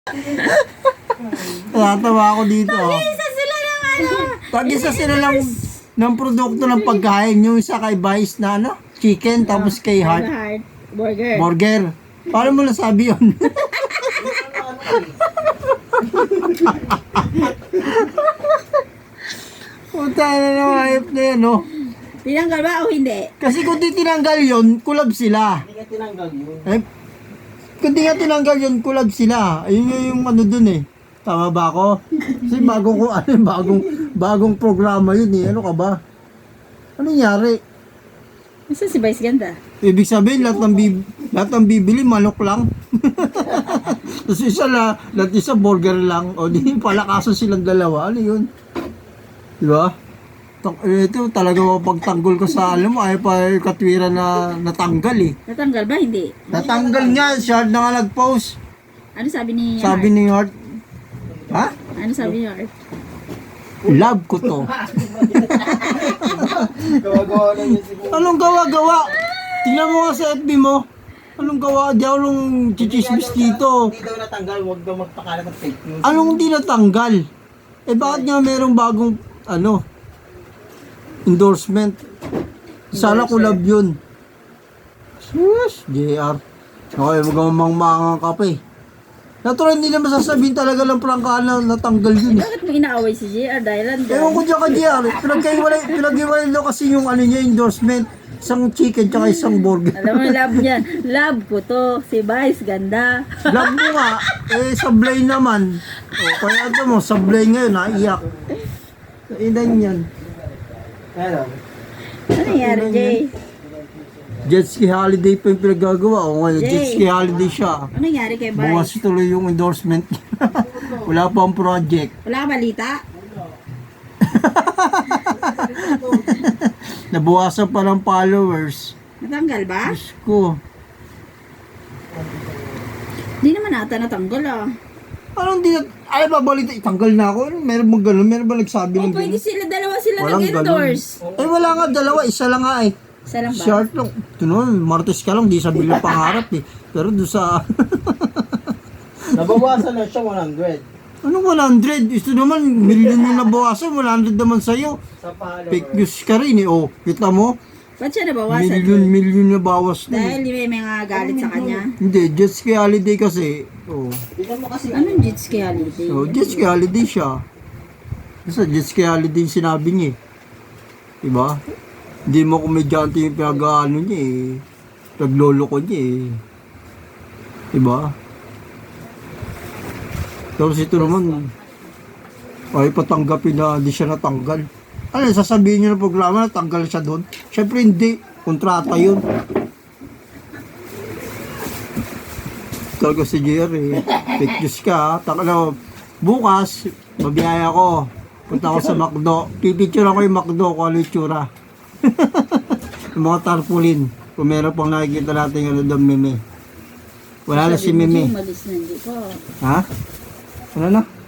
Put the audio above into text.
Natatawa ako dito. Isa sila ng ano. Tag-isa sila lang ng produkto ng pagkain. Yung isa kay Vice na ano, chicken, tapos kay Heart, Heart burger. burger. Paano mo nasabi yun? Puta na naman, ayop na yan, no? Tinanggal ba o hindi? Kasi kung di tinanggal yun, kulab sila. Hindi ka tinanggal yun. Eh, kung di nga tinanggal yun, kulab sila. Ayun yung ano dun eh. Tama ba ako? Kasi bagong programa yun eh. Ano ka ba? Ano nangyari? Isa si Vice ganda. Ibig sabihin, lahat ng bibili, manok lang. Tapos lahat isa burger lang. O di pala kaso silang dalawa. Ano yun? Diba? Ito talaga mapagtanggol ko sa alam mo. Ay pa yung katwiran na natanggal eh. Natanggal ba? Hindi. Natanggal nga. Siya na nga nag-post. Ano sabi ni Sabi Heart? ni Heart, ha? Ano sabi ni Heart? Love ko to. Gawa-gawa lang yun siguro. Anong gawa-gawa? Tingnan mo nga sa FB mo. Anong gawa? Di ako nung chichismis dito. Hindi daw natanggal, huwag daw magpakalat ng fake news. Anong hindi natanggal? Eh bakit nga merong bagong endorsement? Sana collab yun. Sus, JR. Okay, magamang-mangang ka pa eh. Natural hindi naman sasabihin talaga lang prangkaan na natanggal yun eh. Bakit mo inaaway si JR dahil Ewan ko dyan ka JR. Pinag-iwalay daw kasi yung ano niya, endorsement. Isang chicken tsaka isang burger. Alam mo, love niyan. Love ko to. Si Vice, ganda. Love mo nga, eh sablay naman. O, kaya ito mo, sablay ngayon, naiyak. Ilan yan? Ano? Ano nangyari, Jay? Jet ski holiday pa yung pinagagawa. O ngayon, Jay. jet ski holiday siya. Ano nangyari kay Bukas Vice? tuloy yung endorsement. Wala pa ang project. Wala ka balita? Nabuwasan pa ng followers. Natanggal ba? Diyos ko. Hindi naman ata natanggal ah. Anong di na... Ay, babalita. Itanggal na ako. Ano, meron bang gano'n? Meron ba nagsabi O ng pwede gano'n? dalawa sila Walang nag-endorse. Eh, wala nga. Dalawa. Isa lang nga eh. Isa lang ba? Short lang. Ito naman, Martes ka lang. Di sabi lang pangarap eh. Pero doon sa... Nabawasan na siya 100. Anong 100? Ito naman, million yung nabawasan. 100 naman sa'yo. Sa follower. Fake news ka rin eh. Oh, kita mo? Ba't siya nabawasan? Million na bawas na eh. Dahil may mga galit sa kanya. Hindi, jet ski holiday kasi. Oh. Tignan mo kasi. Anong jet ski holiday? So, jet ski holiday siya. Kasi jet ski holiday yung sinabi niya eh. Diba? Hindi mo komedyante yung pinag-ano niya eh. Naglolo ko niya eh. Diba? Tapos ito naman, ay patanggapin na hindi siya natanggal. Ano, sasabihin niyo ng programa na tanggal siya doon? Siyempre hindi. Kontrata yun. Talaga si JR eh. Fake news ka. Bukas, mabiyaya ko. Punta ako sa McDo. Pipicture ako yung McDo kung ano yung tsura. Yung mga tarpaulin. Kung meron pang nakikita natin ano daw meme. Wala na si meme. Umalis na, hindi ko. Ha? Ano na?